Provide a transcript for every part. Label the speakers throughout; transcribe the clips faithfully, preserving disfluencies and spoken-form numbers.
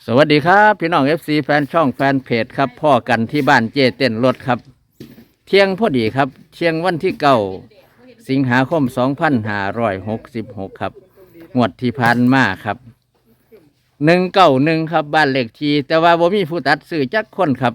Speaker 1: สวัสดีครับพี่น้อง เอฟ ซี แฟนช่องแฟนเพจครับพ่อกันที่บ้านเจเต้นรถครับเที่ยงพอดีครับเที่ยงวันที่เก้าสิงหาคมสองพันห้าร้อยหกสิบหกครับงวดที่ผ่านมาครับหนึ่งเก้าหนึ่งครับบ้านเลขที่แต่ว่าบ่มีผู้ตัดซื้อจักคนครับ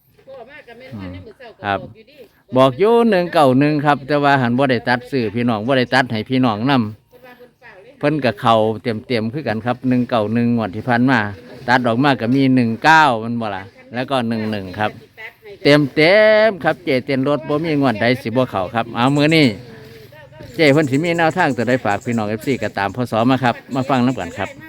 Speaker 1: ครับบอกอยู่หนึ่งเก้าหนึ่งครับแต่ว่าหันบ่ได้ตัดซื้อพี่น้องบ่ได้ตัดให้พี่น้องนำเพิ่นกับเขาเต็มเต็มคือกันครับหนึ่งเก้าหนึ่งงวดที่ผ่านมาตัดออกมาก็มีหนึ่งเก้ามันบ่ล่ะแล้วก็หนึ่งหนึ่งครับเต็มเต็มครับเจเต้นรถบ่มีงวดใดสิบ่เข้าครับเอามือนี่เจเพิ่นสิมีแนวทางตัวใดฝากพี่น้อง เอฟ ซี ก็ตามพศมาครับมาฟังน้ำกันครับ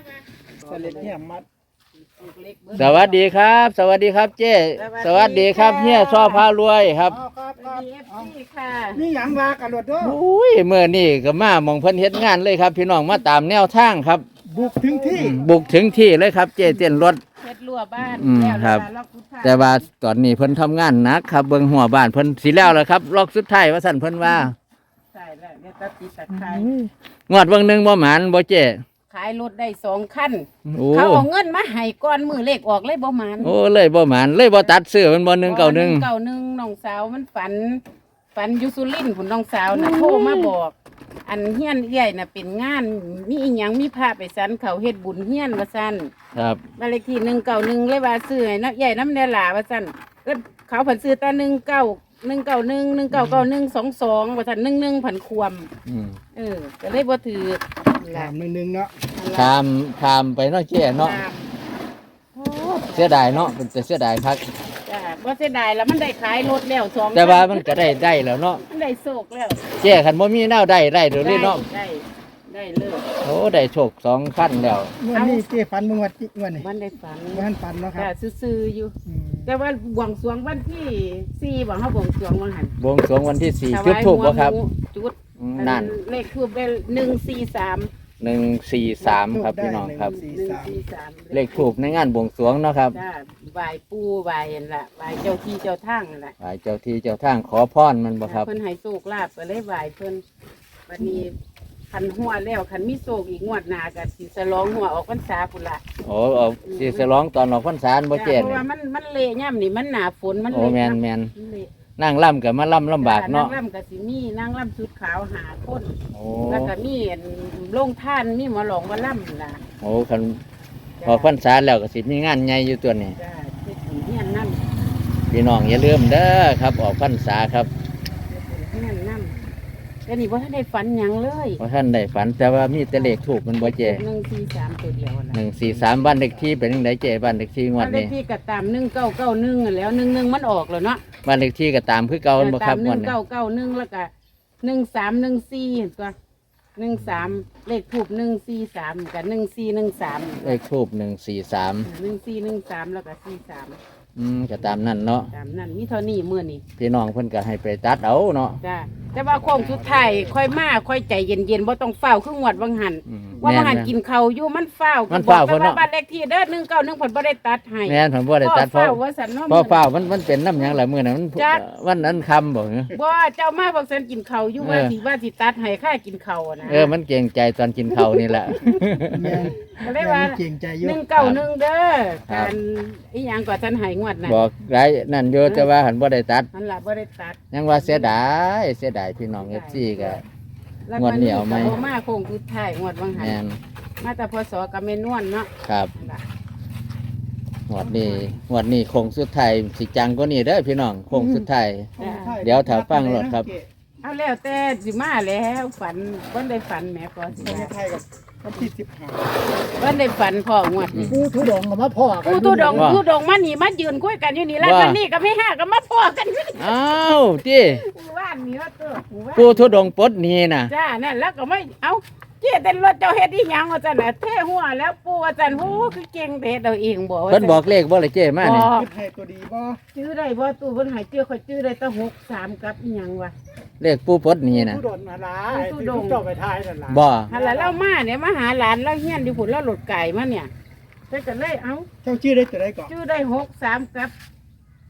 Speaker 1: สวัสดีครับ สวัสดีครับเจสวัสดีครับเฮียชอบพารวยครับ
Speaker 2: นี่หยังว่ากันรถด้วย
Speaker 1: อุ้ยเมื่อนี่ก็มามองเพิ่นเฮ็ดงานเลยครับพี่น้องมาตามแนวทางครับ
Speaker 2: บุกถึงที่
Speaker 1: บุกถึงที่เลยครับเจเต้นรถ
Speaker 3: เฮ็ดรั้วบ้าน
Speaker 1: อืม
Speaker 3: แล้ว
Speaker 1: ครับ
Speaker 3: ล็อกทุกทาง
Speaker 1: แต่ว่าตอนนี้เพิ่นทำงานหนักครับเบิ่งหัวบ้านเพิ่นสิแล้วแล้วครับล็อกสุดท้ายว่าสั่นเพิ่นว่า
Speaker 3: ใช่แล้วเดี๋ยวตัดติดตัดขาย
Speaker 1: งวดเบิ่งหนึงบ่หมานบ่เจ
Speaker 3: ขายรถได้สองคัน
Speaker 1: โอ้
Speaker 3: เขาเอาเงินมาให้ก้อนมือเลขออกเลยบ่หมาน
Speaker 1: โอ้เลยบ่หมานเลยบ่ตัดซื้อมันบ่หนึ่งเก้าหนึ่ง
Speaker 3: เก้าหนึ่งน้องสาวมันฝัน ฝันอยู่สุรินทร์พุ่นน้องสาวน่ะโทรมาบอก อันเฮียนเอี้ยน่ะเป็นงานมีอีหยังมีพาไปสันเขาเฮ็ดบุญเฮียนว่าซั่น
Speaker 1: ครับ
Speaker 3: บ้านเลขที่หนึ่งเก้าหนึ่งเลยว่าซื้อให้น้ำใหญ่น้ำแดหลาว่าซั่นแล้วเขาผันซื้อแต่หนึ่งเก้าหนึ่งเก้าหนึ่งหนึ่งเก้าเก้าหนึ่งสองสองว่าซั่นหนึ่งหนึ่งผันควม
Speaker 1: อืม
Speaker 3: เออก็เลยบ่ถือ
Speaker 2: ถามหนึ่งหนึ่งเนาะ
Speaker 1: ข้ามข้ามไปเนาะเจเนาะ
Speaker 3: โอ้
Speaker 1: เสียดายเนาะเป็นแต่เสียดายคัก
Speaker 3: จ้าบ่เสียดายแล้วมันได้ขายรถแล้วสอง
Speaker 1: แต่ว่ามันก็ได้ได้แล้วเนาะ
Speaker 3: มันได้โชคแล้ว
Speaker 1: เจคันบ่มีแนวได้ได้เดี๋ยวนี้เนาะ
Speaker 3: ได้ได้เลย
Speaker 1: โอ้ได้โชคสองขั้นแล้ว
Speaker 2: เมื่อนี้เจ๊ฟันมึงวัดเมื่อนี่
Speaker 3: มันได้ฝัน
Speaker 2: วันฟันเนาะค
Speaker 3: จ้า
Speaker 2: รับ
Speaker 3: ซื่อๆอยู่
Speaker 2: อืม
Speaker 3: แต่ว่าบวงสรวงวันที่สี่บ่เฮาบวงสรวงวันหัน
Speaker 1: บวงสรวงวันที่สี่
Speaker 3: ถ
Speaker 1: จุด
Speaker 3: วาย
Speaker 1: ทูบบ่ครับ
Speaker 3: หัวหมูจุด
Speaker 1: อืมนั่น
Speaker 3: เลขทูบได้หนึ่งสี่สาม
Speaker 1: หนึ่งสี่สามครับพี่น้องครับ
Speaker 2: สี่
Speaker 3: หนึ่ง
Speaker 2: สาม
Speaker 3: สี่สาม
Speaker 1: เลขถูกในงานบวงสรวงเนาะครับ
Speaker 3: จ้าไหวปู่ไหวนั่นล่ะไหวเจ้าที่เจ้าทางนั่นล่ะ
Speaker 1: ไหว้เจ้าที่เจ้าทางขอพรมันบ่ครับ
Speaker 3: เพิ่นให้โชคลาภก็เลยไหวเพิ่นวันนี้คันหัวแล้วคันมีโชคอีกงวดหน้าก็สิฉลองหัวออกพรรษาพุ่นล่ะ
Speaker 1: โอ้เอาสิฉลองตอนออกพรรษาบ่เจ
Speaker 3: เพราะ
Speaker 1: นี่
Speaker 3: ว่ามันมันเละย่ำนี่มันหนาฝนมัน
Speaker 1: โอ้
Speaker 3: เละ
Speaker 1: แม่นแม่น
Speaker 3: มันเละ
Speaker 1: นั่งล่ำกับมาล่ำลำบากเนาะ
Speaker 3: นางร่ำกับสิมีนางร่ำชุดขาวหาคน
Speaker 1: โอ้
Speaker 3: แล้วก็มีอันโรงท่านมีหมอหลองมาล่ำล่ะ
Speaker 1: โอ้คันพอพรรษาแล้วก็สิมีงานใหญ่อยู่ตัวนี้
Speaker 3: จ้าเฮ็ดบุญเฮียนนั่น
Speaker 1: พี่น้องอย่าลืมเด้อครับออกพรรษาครับ
Speaker 3: เฮ็ดบุญเฮียนนั่นแต่นี่ว่าท่านได้ฝันหยังเลย
Speaker 1: เพราะท่านได้ฝันแต่ว่ามีแต่เลขถูกมันบ่เจ
Speaker 3: หนึ่งสี่สามตัวเดียวนะ
Speaker 1: หนึ่งสี่สามบ้านเลขที่เป็นยังไงเจบ้านเลขที่งวด
Speaker 3: เล
Speaker 1: นี้
Speaker 3: ขที่กระตามหนึ่งเก้าเก้าหนึ่งแล้วหนึ่งหนึ่งมันออกแล้วเนาะ
Speaker 1: บ้านเลขที่ก็ตามคือเก่าบ่ค
Speaker 3: ตา
Speaker 1: รับ
Speaker 3: มห
Speaker 1: งว
Speaker 3: นึ่
Speaker 1: ด
Speaker 3: ง
Speaker 1: นี้
Speaker 3: เก้าเก้าหนึ่งแล้วก็หนึ่งสามหนึ่งสี่เห็นตัวหนึ่งสามเลขถูกหนึ่งสี่สามกับหนึ่งสี่หนึ่งสาม
Speaker 1: เลขทูบหนึ่งสี่สาม
Speaker 3: หนึ่งสี่หนึ่งสามแล้วก็สี่สาม
Speaker 1: อืมก็ตามนั่นเนาะ
Speaker 3: ตามนั้นมีเท่านี้มื่อนี้
Speaker 1: พี่น้องเพิ่นก็ให้ไปตัดเอาเนาะ
Speaker 3: จ้าแต่ว่าโค้งสุดท้ายค่อยมาค่อยใจเย็นๆบ่ต้องเฝ้าวครึ่งวดวังหัน
Speaker 1: อืม
Speaker 3: ว่า
Speaker 1: แม่
Speaker 3: วังหัน
Speaker 1: น
Speaker 3: กินข้าวอยู่มันเฝ้าว
Speaker 1: มันเฝ้าว
Speaker 3: ก็บอก
Speaker 1: เพิ่นเนาะ
Speaker 3: แต่ว่าบ้านเลขที่เด้อหนึ่งเก้าหนึ่งผลบ่ได้ตัดให้
Speaker 1: แม่นผมบ่ได้ตัดเพ
Speaker 3: เฝ้า
Speaker 1: ราะ
Speaker 3: ว่าสันเนาะ
Speaker 1: เพราะเฝ้ามันมันเป็นน้ำหยังล่ะมื้อนั้นมัน
Speaker 3: จัก
Speaker 1: วันนั้นคำบ่เหรอ
Speaker 3: บ่เจ้ามาบอกสันกินข้าวอยู่ว่า
Speaker 1: เออ
Speaker 3: สิว่าสิตัดให้ค่ากินข้าวอะนะ
Speaker 1: เออมันเกรงใจตอนกินข้าวนี่แหละ
Speaker 2: แม่น
Speaker 3: ก็เลยว่า
Speaker 2: แม่นเก่งใจเย
Speaker 3: ห
Speaker 2: อะ
Speaker 3: นึ่งเก้าหนึ่งเด้อ
Speaker 1: ครับ
Speaker 3: การอีหยังก็ฉันให้งวดน่ะ
Speaker 1: บอกไรนั่นอยู่แต่ว่าหันบ่ได้ตัด
Speaker 3: นั่นล่ะบ่ได้ตัด
Speaker 1: ยังว่าเสียดายเสียดายพี่น้อง เอฟ ซี ก็
Speaker 3: แล้ว
Speaker 1: งวดเหนียวไหม
Speaker 3: ก็บ่มาโค้งสุดท้ายงวดวังหัน
Speaker 1: แม่น
Speaker 3: มาแต่พศกับแม่นวลเนาะ
Speaker 1: ครับ
Speaker 3: นั่นล่ะ
Speaker 1: งวดนี้งวดนี้คงสุดท้ายสิจังกว่านี้เด้อพี่น้องคงสุดท้าย เดี๋ยวถ้าฟังรถครับ
Speaker 3: เอาแล้วแต่สิมาแล้วฝันบ่ได้ฝันแหม่ก็สิ
Speaker 2: ประเท
Speaker 3: มา
Speaker 2: ศไทยกับวันที่สิบห้า
Speaker 3: บ่ได้ฝันพ่องวดนี้
Speaker 2: กูทุดงกับมาพ่อกัน
Speaker 3: ผู้ทุดง
Speaker 1: ว่า
Speaker 3: ผู้ดงมานี่มายืนคุยกันอยู่นี่แล้ว
Speaker 1: ว่า
Speaker 3: วันนี้ก็ไม่ห้าก็มาพ่อกันอยู่นี่
Speaker 1: อ้าวที่
Speaker 3: หมู่บ้านนี่ว่าตัวหมู่บ้าน
Speaker 1: ผู้ทุดงค์ปลดหนี้น่ะ
Speaker 3: จ้านั่นแล้วก็ไม่เอาเจ๊เต้นรถเจ้าเฮ็ดอีหยังว่าซั่นน่ะเท่หัวแล้วปู่ว่าซั่นโอ้คือเก่งแต่เฮ็ดเอาเองบ่ว่า
Speaker 1: เพิ่นบอกเลขบ่เลยเจ้มานี่
Speaker 3: บอก
Speaker 2: คิดให้ตัวดีบ่
Speaker 3: ชื่อได้บ่ตู่เพิ่นให้ชื่อข่อยชื่อได้แต่หกสามกับอีหยังวะ
Speaker 1: เลขผู้ปลดหนี้น่ะ
Speaker 2: ทุดงอะไร
Speaker 3: ทุ
Speaker 2: ที่
Speaker 3: ดง
Speaker 2: เจ้าไปทายนั่นล่ะ
Speaker 1: บ่
Speaker 3: หั่นล่ะเรามาเนี่ยมาหาหลานเราเฮียนอยู่พุ่นเราหลดไก่มาเนี่ยเพิ่นก็เลยเอา
Speaker 2: เจ้าชื่อได้ตัวใดก่อน
Speaker 3: ชื่อได้หกสามกับ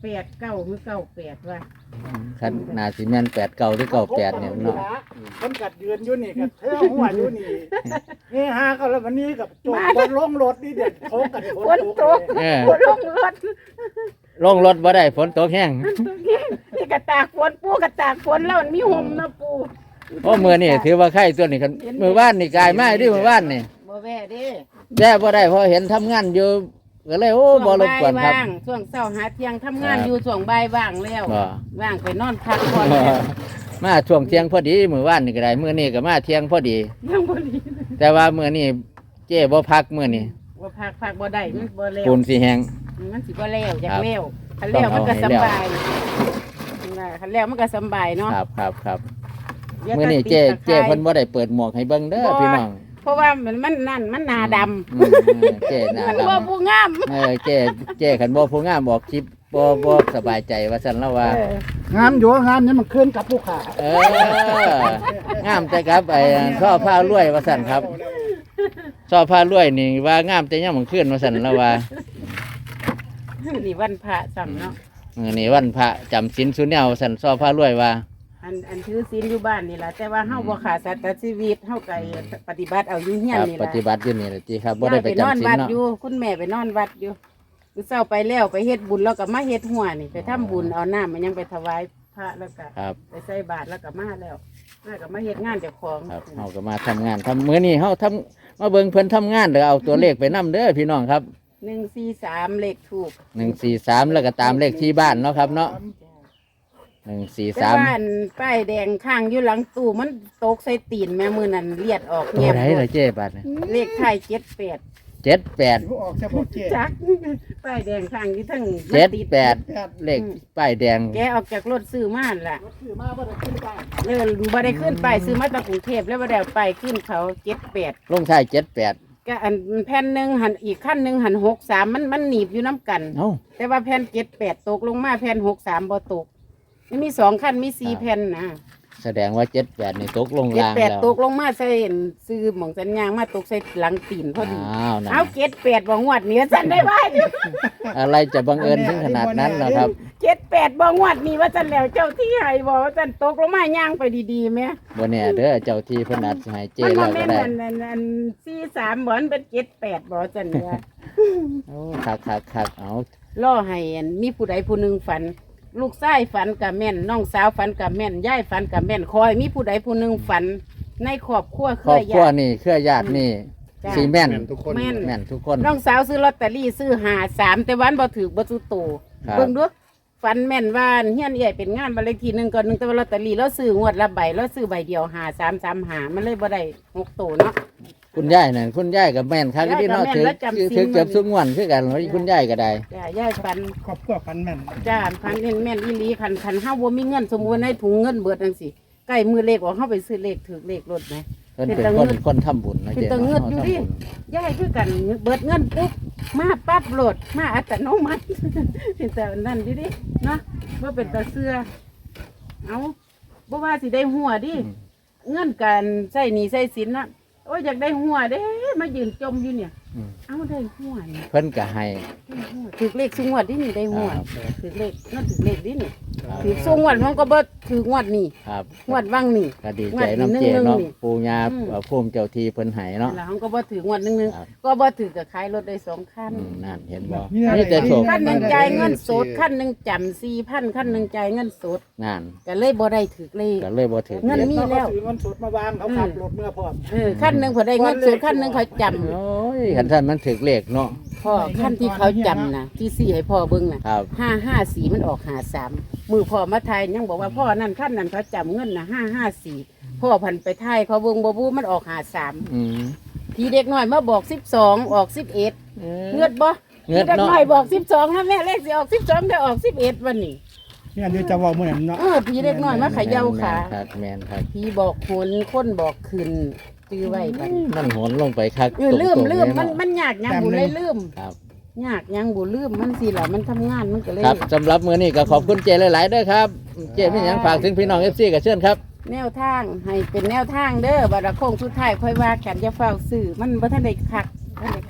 Speaker 3: แปดเก้าหรือเก้าแปดว่า
Speaker 1: คันนาสิแม่นแปดเก้าหรือเก้าแปดเนี่ยเนาะ
Speaker 2: คนกัดยืนอยู่นี่กับเท่าหัวอยู่นี่นี่ฮะก็แล้ววันนี้กับโจมบนลงรถนี่เด็ดเขากัน
Speaker 3: ฝนตก
Speaker 1: เออ
Speaker 3: ฝนลงรถ
Speaker 1: ลงรถบ่ได้ฝนตกแห้ง
Speaker 3: นี่กระตากฝนปูกระตากฝนแล้วมันมีห่มนะปู
Speaker 1: โอ้มื้อนี่ถือว่าไข่ตัวนี้คันมื้อวานนี่กายมาดิมื้อวานนี่
Speaker 3: บ่แว่เด้
Speaker 1: แย่บ่ได้เพราะเห็นทำงานอยู่ก็เลยโอ้บ่รบกวนครับ
Speaker 3: ช่วงบ่ายว่างช่วงเช้าหาเที่ยงทำงานอยู่ช่วงบ่ายว่างแล้ว
Speaker 1: บ่
Speaker 3: ว่างไปนอนพักผ่อนแล้ว
Speaker 1: มาช่วงเที่ยงพอดีมื้อวานนี่ก็ได้มื้อนี้ก็มาเที่ยงพอดี
Speaker 3: ยังบ่ดี
Speaker 1: แต่ว่ามื้อนี้เจ้บ่พักมื้อนี้
Speaker 3: บ่พักพักบ่ได้มันบ่แล้ว
Speaker 1: ปูนสิแห้ง
Speaker 3: มันสิบ่แล้วอยา
Speaker 1: ครั
Speaker 3: ก
Speaker 1: บ
Speaker 3: แล้วคันแล้วมันก็
Speaker 1: ต้อง
Speaker 3: ส
Speaker 1: เอาให้แล้ว
Speaker 3: บายว่าคันแล้วมันก็สบายเนาะ
Speaker 1: ครับครับครับ
Speaker 3: อย่า
Speaker 1: มื้อนี้
Speaker 3: ตัด
Speaker 1: เจ้
Speaker 3: ติดตะไคร้
Speaker 1: เจ้เพิ่นบ่ได้เปิดหมวกให้เบิ่งเด้อพี่น้อง
Speaker 3: เพราะว่ามันมันนั่นมันหนาดำ
Speaker 1: อืมเจ้หน้า
Speaker 3: มัน
Speaker 1: ดำ
Speaker 3: บ่ผู้งาม
Speaker 1: เออเจ้เจ้ขันบ่ผู้งามบอกคลิปบ่บ่สบายใจว่าซั่นแล้วว่า
Speaker 3: เออง
Speaker 2: ามอยู่งามนี่มันขึ้นกับผู้ขา
Speaker 1: เอองามแต่ครับไอ้ช่อผ้ารวยว่าซั่นครับช่อผ้ารวยนี่ว่างามแต่ยามมื้อคืนว่าซั่นแล้วว่า
Speaker 3: นี่วันพระซ้ำเนาะ
Speaker 1: มื้อนี้วันพระจำศีลสุแนวว่าซั่นช่อผ้ารวยว่า
Speaker 3: อันอันถือศีลอยู่บ้านนี่ล่ะแต่ว่าเฮาบ่ขาดสัตว์ชีวิตเฮาก็ปฏิบัติเอาอยู่เฮีย
Speaker 1: คน รับ
Speaker 3: นี่
Speaker 1: ป
Speaker 3: ล่ะ
Speaker 1: ฏิบัติอยู่นี่แหละติครับบ่ได้ไป
Speaker 3: น
Speaker 1: จำ
Speaker 3: อน
Speaker 1: ศีล
Speaker 3: วัด
Speaker 1: เนาะ
Speaker 3: อยู่คุณแม่ไปนอนวัดอยู่คือเช้าไปแล้วไปเฮ็ดบุญแล้วก็มาเฮ็ดหัวนี่ไปทำบุญเอาน้ำมันยังไปถวายพระแล้วก็
Speaker 1: ครับ
Speaker 3: ไปใส่บาตรแล้วก็มาแล้วมาก็มาเฮ็ดงานเจ้าของ
Speaker 1: ครับเฮาก็มาทำงานทำมื้อนี้เฮาทำมาเบิ่งเพิ่นทำงานแล้วเอาตัวเลขไปนํเด้อพี่น้องครับ
Speaker 3: หนึ่งสี่สามเลขถูก
Speaker 1: หนึ่งสี่สามแล้วก็ตามเลขที่บ้านเนาะครับเนาะหนึ่งสี่
Speaker 3: แต่
Speaker 1: สาม
Speaker 3: ว่าอันป้ายแดงข้างอยู่หลังตู้มันตกใส่ตีนแม่มือนั่นเลียดออก
Speaker 1: ตัว
Speaker 3: แยบ
Speaker 1: ไหน
Speaker 3: หม
Speaker 1: ล่ะ
Speaker 3: ด
Speaker 1: เจ๊บัดเนี่ย
Speaker 3: เลขไทยเจ็ดแปด
Speaker 1: เจ็ดแปด
Speaker 2: ผู้ออกเฉพาะเจ๊
Speaker 3: จัก ป้ายแดงข้างอยู่ทั้ง
Speaker 1: เจ็ด
Speaker 3: มันติ
Speaker 1: แปดเลขป้ายแดง
Speaker 3: แกออกจากรถซื้อมานั่นล่ะ
Speaker 2: คือมาว่าจะขึ้นบ้าน
Speaker 3: เออบ่ได้ขึ้นไปซื้อมาจากกรุงเทพแล้วบ่ได้เอาไปขึ้นเขาเจ็ดแปด
Speaker 1: ลงท้ายเจ็ดแปด
Speaker 3: ก็อันแผ่นหนึ่งหันอีกขั้นหนึ่งหันหกสามมันมันหนีบอยู่น้ำกัน
Speaker 1: เอ้า
Speaker 3: แต่ว่าแผ่นเจ็ดแปดตกลงมาแผ่นหกสามบ่ตกมันมีสองขั้นมีสี่แผ่นนะ
Speaker 1: แสดงว่าเจ็ดแปดนี่ตกลง
Speaker 3: เจ็ด
Speaker 1: ล่าง
Speaker 3: แปด
Speaker 1: แล้ว
Speaker 3: ตกลงมาใส่ซื้อหมองสัญญางมาตกใส่หลังตีนพอดี
Speaker 1: อ้าวนั่น
Speaker 3: เอาเจ็ดแปดบ่งวดเหนี้สันได้ไว้
Speaker 1: อะไรจะบังเอิญถึงขนาดนั้นนะครับ
Speaker 3: เจ็ดแปดบ่งวดนี้ว่าสันแล้วเจ้าที่ให้บอกว่าสันตกลงมาย่างไปดีๆไหม
Speaker 1: บนเนี่ยเด้อเจ้าที่เพนนัดสิให้เจ๊
Speaker 3: มัน
Speaker 1: แล้
Speaker 3: บ่
Speaker 1: ว
Speaker 3: แม่
Speaker 1: ก็
Speaker 3: น
Speaker 1: ได้
Speaker 3: อันอันอันสี่สามบ่มันเป็นเจ็ดแปดบ่สันเนี่ย
Speaker 1: โอ้คักคักคักเอา
Speaker 3: ล่อให้อันมีผู้ใดผู้หนึ่งฝัน ลูกชายฝันกับแม่นน้องสาวฝันกับแม่นยายฝันกับแม่นคอย มีผู้ใดผู้หนึ่งฝันในครอบครัวเค
Speaker 1: ครอบ
Speaker 3: ย
Speaker 1: ครัว
Speaker 3: ญาติ
Speaker 1: นี่เครือญาตินี่
Speaker 3: จ้ะ
Speaker 1: สีแม่น
Speaker 2: ทุกคน
Speaker 3: แม่น
Speaker 1: แม่นทุกคน
Speaker 3: น้องสาวซื้อลอตเตอรี่ซื้อหาสามแต่วันบ่ถือบ่ซื้อโต
Speaker 1: ครับ
Speaker 3: เบิ่งดูฝันแม่นว่าเฮียนใหญ่เป็นงานบันเลขที่หนึ่งก่อนหนึ่งแต่ว่าลอตเตอรี่เราซื้องวดละใบเราซื้อใบเดียวหาสามสามหามันเลยบ่ได้หกโตเนาะ
Speaker 1: คุณยายนั่นคุณยายกับแม่นคัก
Speaker 3: ยาย
Speaker 1: ที่เนาะ
Speaker 3: กับแม่น
Speaker 1: ถือ
Speaker 3: แล้วจำศีล
Speaker 1: ถือเกือบสุกงวนคือกันแล้วคุณยายก็ได้
Speaker 3: จ้ายายฝัน
Speaker 2: ครอบครัวพันแม่น
Speaker 3: จ้าพันเห็นแม่นอีหลีคันคันห้าบ่มีเงินสมมุติในถุงเงินเบิดจังซี่ใกล้มือเลขออกเฮาไปซื้อเลขถือเลขรถไหม
Speaker 1: เพิ่น
Speaker 3: เป็น
Speaker 1: เป็น
Speaker 3: ตา
Speaker 1: คน
Speaker 3: เงิด
Speaker 1: คนทำบุญนะ
Speaker 3: เป็น
Speaker 1: เจ๊
Speaker 3: ตาเงิด
Speaker 1: เนาะ
Speaker 3: อยู่
Speaker 1: ทำ
Speaker 3: ดิ
Speaker 1: บุญ
Speaker 3: ยายคือกันเบิดเงินปุ๊บมาปั๊บโหลดมาอัตโนมัติ เป็นแต่นั่นอยู่ดิเนาะว่าเป็นตาเสื้อเอาบ่ว่าสิได้หัวดิเงินการใช้หนี้ใช้สินนะโอ้ยอยากได้หัวเด้มายืนจมอยู่เนี่ย
Speaker 1: อืม
Speaker 3: เอาได้หัวนี่
Speaker 1: เพิ่นก็ให้
Speaker 3: ได้หัวถือเลขสุงวดดินี่ได้หัว
Speaker 1: ครับ
Speaker 3: ถือเลขนั่นถือเลขดินี่ถือสุงวดมันก็บ่ถืองวดนี่
Speaker 1: ครับ
Speaker 3: งวดว่างนี่
Speaker 1: ก็ดีใจน้ำเจ
Speaker 3: งวดหนึ่ง
Speaker 1: เนาะ
Speaker 3: นี่
Speaker 1: ปูญา
Speaker 3: อืม
Speaker 1: เอ่อภูมิเจ้าทีเพิ่นให้เนาะ
Speaker 3: แล้วเขาก็บ่ถืองวดหนึงนึง
Speaker 1: ครับ
Speaker 3: ก็บ่ถือกับขายรถได้สองคัน
Speaker 1: อืมนั่นเห็นบ่
Speaker 2: นี่อะไร
Speaker 1: นี่แต่โชค
Speaker 3: คันหนึ่งจ่ายเงินสดคันหนึ่งจำสี่พันคันหนึ่งจ่ายเงินสด
Speaker 1: นั่น
Speaker 3: ก็เลยบ่ได้ถือเลข
Speaker 1: ก็เลยบ่ถึง
Speaker 3: เงิน มีแล้ว
Speaker 2: ถือเงินสดมาวางเขาขับรถเมื่อพร้อม
Speaker 3: เออคันหนึ่งพอได้เงินสดคันหนึ่งเขาจ
Speaker 1: โอ้ยคันท่านมันถึกเลขเนาะ
Speaker 3: ำพ่อคันที่เขาจำนะที่สี่ให้พ่อเบิ่งนะครับ ห้าห้าสี่มันออกหาสามมือพ่อมาไทยยังบอกว่าพ่อนั่นคันนั้นเขาจำเงินนะห้าห้าสี่พ่อพันไปไทยเขาเบิ่งบ่บูมันออกหาสาม
Speaker 1: อืม
Speaker 3: พี่เด็กน้อยมาบอกสิบสองออกสิบเอ็ดเงือดบ่
Speaker 1: เงือด
Speaker 3: พี่เด็ก
Speaker 1: เนาะ
Speaker 3: น้อยบอกสิบสองนะแม่เลขสิออกสิบสองได้ออกสิบเอ็ดวันนี้
Speaker 2: เนี่ยเดี๋ยวจะเว่าเมื่อนั้นเนาะ
Speaker 3: เออพี่เด็กน้อยมาเขย่าขา
Speaker 1: แม่นครับแม่นครับ
Speaker 3: พี่บอกหนคนบอกขึ้นตื้อไว้บัดนี้
Speaker 1: มันโหนลงไปคัก
Speaker 3: เออลืม
Speaker 1: ตรงๆ
Speaker 3: ลืม
Speaker 1: เย
Speaker 3: มัน
Speaker 1: เาะ
Speaker 3: มันยากยังบุเลยลืม
Speaker 1: ครับ
Speaker 3: ยากยังบุลืมมันสิล่ะมันทำงานมันก็เลย
Speaker 1: ครับสำหรับมื้อนี้ก็ขอบคุณเจหลายๆเด้อครับ เจมีหยังฝากถึงพี่น้อง เอฟ ซี ก็เชิญครับ
Speaker 3: แนวทางให้เป็นแนวทางเด้อบัดละโค้งสุดท้ายค่อยว่ากันจะเฝ้าซื้อมันบ่ทันได้คักบ่ทันได้คัก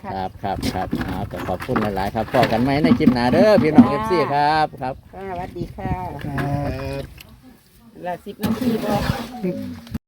Speaker 3: ค่ะ
Speaker 1: ครับครับครับเอาก็ขอบคุณหลายๆครับพอกันไหมในคลิปหน้าเด้อพี่น้องเอฟซีครับครับ
Speaker 3: ค่ะสวัสดีค่ะ
Speaker 2: ครับ
Speaker 3: ละสิบนาทีบ่